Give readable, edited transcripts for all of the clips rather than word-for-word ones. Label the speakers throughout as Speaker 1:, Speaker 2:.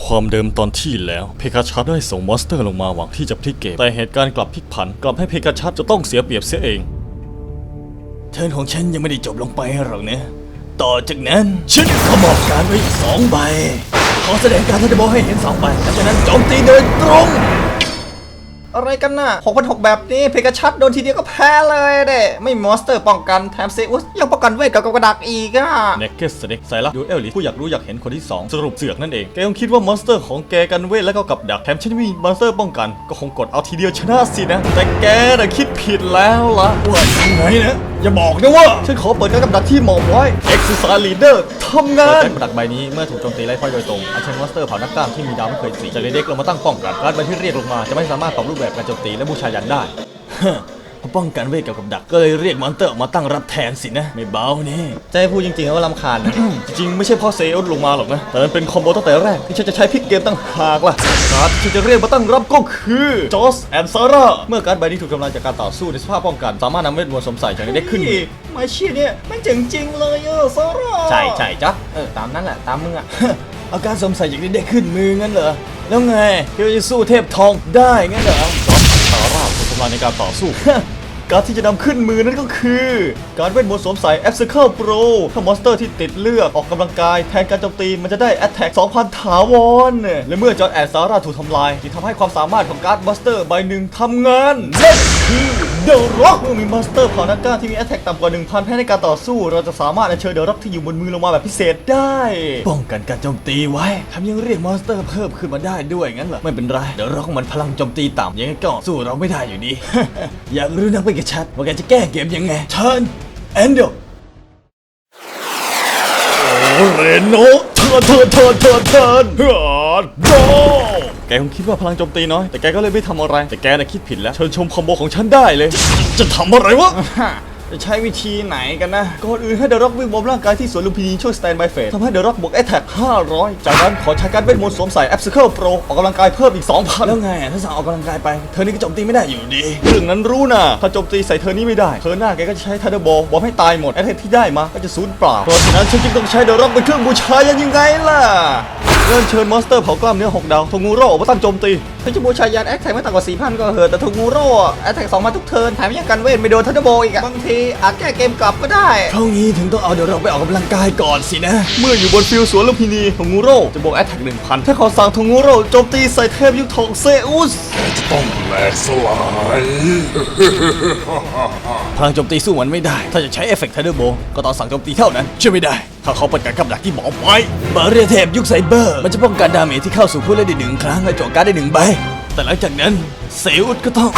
Speaker 1: ความเดิมตอนที่แล้วเพกาชัสได้ส่งมอนสเตอร์ลงมาหวังที่จะพลิกเกมแต่เหตุการณ์กลับพลิกผันกลับให้เพกาชัสจะต้องเสียเปรียบเสียเองเทิร์นของฉันยังไม่ได้จบลงไปหรอกนะต่อจากนั้นฉันขมอบการไว้อีก2 ใบขอแสดงการทันบอลให้เห็น2 ใบหลังจากนั้นโจมตีโดยตรง
Speaker 2: อะไรกันน่ะ6,600แบบนี้เพกาชัสโดนทีเดียวก็แพ้เลยเด้ไม่มีมอนสเตอร์ป้องกันแถมเซอุสยังป้องกันเวทกับกระดักอีกอ่ะ
Speaker 1: เนกเกสเด็กไซรัสดูเอลลิผู้อยากรู้อยากเห็นคนที่2สรุปเสือกนั่นเองแกคงคิดว่ามอนสเตอร์ของแกกันเวทแล้วก็กับดักแถมฉันมีมอนสเตอร์ป้องกันก็คงกดเอาทีเดียวชนะสินะแต่แกน่ะคิดผิดแล้วล่ะว่ายังไงนะอย่าบอกนะว่าฉันขอเปิดการกับดักที่หมอบไว้ Exercise Leader ทำงานการกับดักใบนี้เมื่อถูกโจมตีไล่พ่อยโดยตรงอัญเชิญมอนสเตอร์เผ่านักกล้ามที่มีดาวไม่เคยสีจากเด็กลงมาตั้งป้องกันการใบที่เรียกลงมาจะไม่สามารถปรับรูปแบบการโจมตีและบูชายันได้เพราะป้องกันเวทกับดักก็เลยเรียกมอนสเตอร์ออกมาตั้งรับแทนสินะไม่เบานี่
Speaker 2: จะให้พูดจริงๆว่ารำคาญนะ
Speaker 1: จริงๆไม่ใช่พ่อเซลลงมาหรอกนะแต่มันเป็นคอมโบตั้งแต่แรกที่ฉันจะใช้พลิกเกมตั้งหากล่ะการที่ฉันจะเรียกมาตั้งรับก็คือจอสแอนซาร่าเมื่อการใบนี้ถูกทำลายจากการต่อสู้ในสภาพป้องกันสามารถนำเวทมนต์สวมใส่จากเด็กขึ้น
Speaker 2: มาเชียเนี่ยไม่จริงเลยซาร่าใช่จ๊ะตามนั้นแหละตามมึงอ่ะ
Speaker 1: เอาการสวมใส่จากเด็กขึ้นมืองั้นเหรอแล้วไงที่จะสู้เทพทองได้งั้นเหรอจอสแอนซาร่าถูกทำลายในการต่อสู้ การที่จะนำขึ้นมือนั่นก็คือการเวทมนต์สวมใส่ Absircle Pro ถ้ามอนสเตอร์ที่ติดเลือดออกกำลังกายแทนการโจมตีมันจะได้ Attack 2,000 ถาวรและเมื่อจอร์แอนซาร่าถูกทำลายที่ทำให้ความสามารถของการ์ดมอนสเตอร์ใบหนึ่งทำงานนั่นคือเดอะร็อกเมื่อมีมอนสเตอร์เผ่านักกล้าที่มี Attack ต่ำกว่า 1,000 แพ้ในการต่อสู้เราจะสามารถอัญเชิญเดอะร็อกที่อยู่บนมือลงมาแบบพิเศษได้ป้องกันการโจมตีไว้ทำยังเรียกมอนสเตอร์เพิ่มขึ้นมาได้ด้วยงั้นเหรอไม่เป็นไรเดอะร็อกมันพลังโจมตีต่ำยังไงก็สู้เราไม่ได้อยู่ดี อยากรู้นักไปกับชัดว่าแกจะแก้เกมยังไงเทิร์นแอนเดลโอเรโนเทิร์นโดแกคงคิดว่าพลังโจมตีน้อยแต่แกก็เลยไม่ทำอะไรแต่แกน่ะคิดผิดแล้วเชิญชมคอมโบของฉันได้เลยจะทำอะไรวะ
Speaker 2: จะใช้วิธีไหนกันนะก่อนอื่นให้เดอะร็อกวิ่งบนร่างกายที่สวนลุมพินีช่วยสแตนบายเฟสทำให้เดอะร็อกบวกแอตแทก500จากนั้นขอใช้การเวทมนต์สวมใส่ Absircle Pro ออกกำลังกายเพิ่มอีก 2,000
Speaker 1: แล้วไงถ้าสั่งออกกำลังกายไปเธอนี่ก็โจมตีไม่ได้อยู่ดีเรื่องนั้นรู้นะถ้าโจมตีใส่เธอนี่ไม่ได้เธอหน้าแกก็จะใช้ทันเดอร์บอลบอมให้ตายหมดแอตแทกที่ได้มาก็จะสูญเปล่าเพราะฉะนั้นฉันจึงต้องใช้เดอะร็อกเป็นเครื่องบูชายันยังไงล่ะเริ่มเชิญมอนสเตอร์เผากล้ามเนื้อ6 ดาวโทงูโร่ออกมาตั้งโจมตี
Speaker 2: ถ้าจะบูชายันแอคแท็กไม่ต่ำกว่า 4,000 ก็เหอะแต่ทูงูโร่แอคแท็ก2,000 ทุกเทิร์นแถมยังกันเวทไม่โดนทันเดอร์โบอีกอะบางทีอาจแก้เกมกลับก็ได้
Speaker 1: เพราะงี้ถึงต้องเอาเดอะร็อกไปออกกำลังกายก่อนสินะเมื่ออยู่บนฟิลสวนลุมพินีโทงูโร่จะบวกแอตแทก 1,000 ถ้าขอสั่งโทงูโร่โจมตีใส่เทพยุคทองเซอุส
Speaker 3: จะต้องแหลกสลาย
Speaker 1: พลังโจมตีสู้มันไม่ได้ถ้าจะใช้เอฟเฟกต์ทันเดอร์โบก็ต้องสั่งโจมตีเท่านั้นช่วยไม่ได้ถ้าเขาเปิดการกับดักที่หมอไว้บาเรียเทพยุคไซเบอร์มันจะป้องกันดาเมจที่เข้าสู่ผู้เล่นได้1 ครั้งและโจมการ์ดได้1 ใบแต่หลังจากนั้นเซอุสก็ต้อง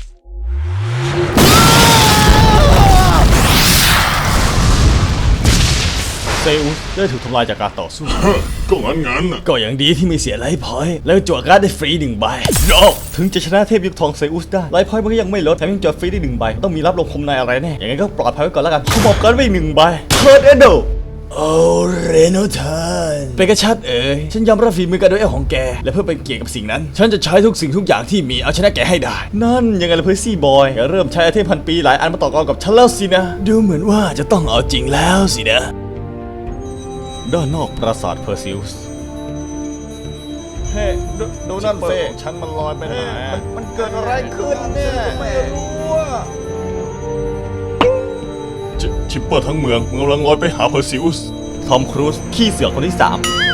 Speaker 1: เซอุสได้ถูกทำลายจากการต่อสู้
Speaker 3: ก็งั้น
Speaker 1: ก็อย่างดีที่ไม่เสียไลฟ์พอยต์แล้วจั่วการ์ดได้ฟรี1 ใบถึงจะชนะเทพยุคทองเซอุสได้ไลฟ์พอยต์มันก็ยังไม่ลดแถมยังจั่วฟรีได้1 ใบต้องมีรับลงคมในอะไรแน่อย่างงั้นก็ปลอดภัยไว้ก่อนแล้วกันขมอบการ์ดไว้1 ใบเทิร์นเอโดโอเรโนเทิร์นเป็นกระชัดฉันยอมรับฝีมือการโดยเอลของแกและเพื่อเป็นเกียรติกับสิ่งนั้นฉันจะใช้ทุกสิ่งทุกอย่างที่มีเอาชนะแกให้ได้นั่นยังไงล่ะเพอร์ซี่บอยเริ่มใช้ไอเทมพันปีหลายอันมาต่อกรกับฉันแล้วสินะดูเหมือนว่าจะต้องเอาจริงแล้วสินะด้านนอกปราสาทเพอร์ซิอุส
Speaker 2: เฮ้ดูนั่นเซ่ฉันมันลอยไปไหนมันเกิดอะไรขึ้นเนี่ยไม่รู้อะ
Speaker 3: ชิปเปอร์ทั้งเมืองกำลังลอยไปหาเพอร์ซิอุส
Speaker 1: ทอมครูซขี้เสือกคนที่3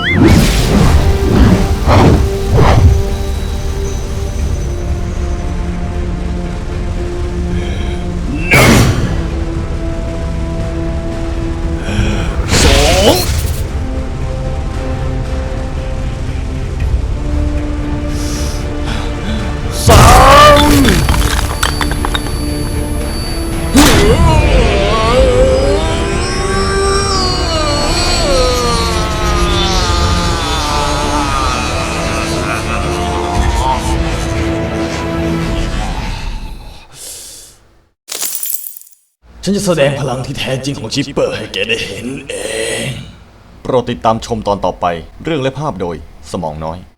Speaker 1: ฉันจะแสดงพลังที่แท้จริงของชิปเปอร์ให้แกได้เห็นเองโปรดติดตามชมตอนต่อไปเรื่องและภาพโดยสมองน้อย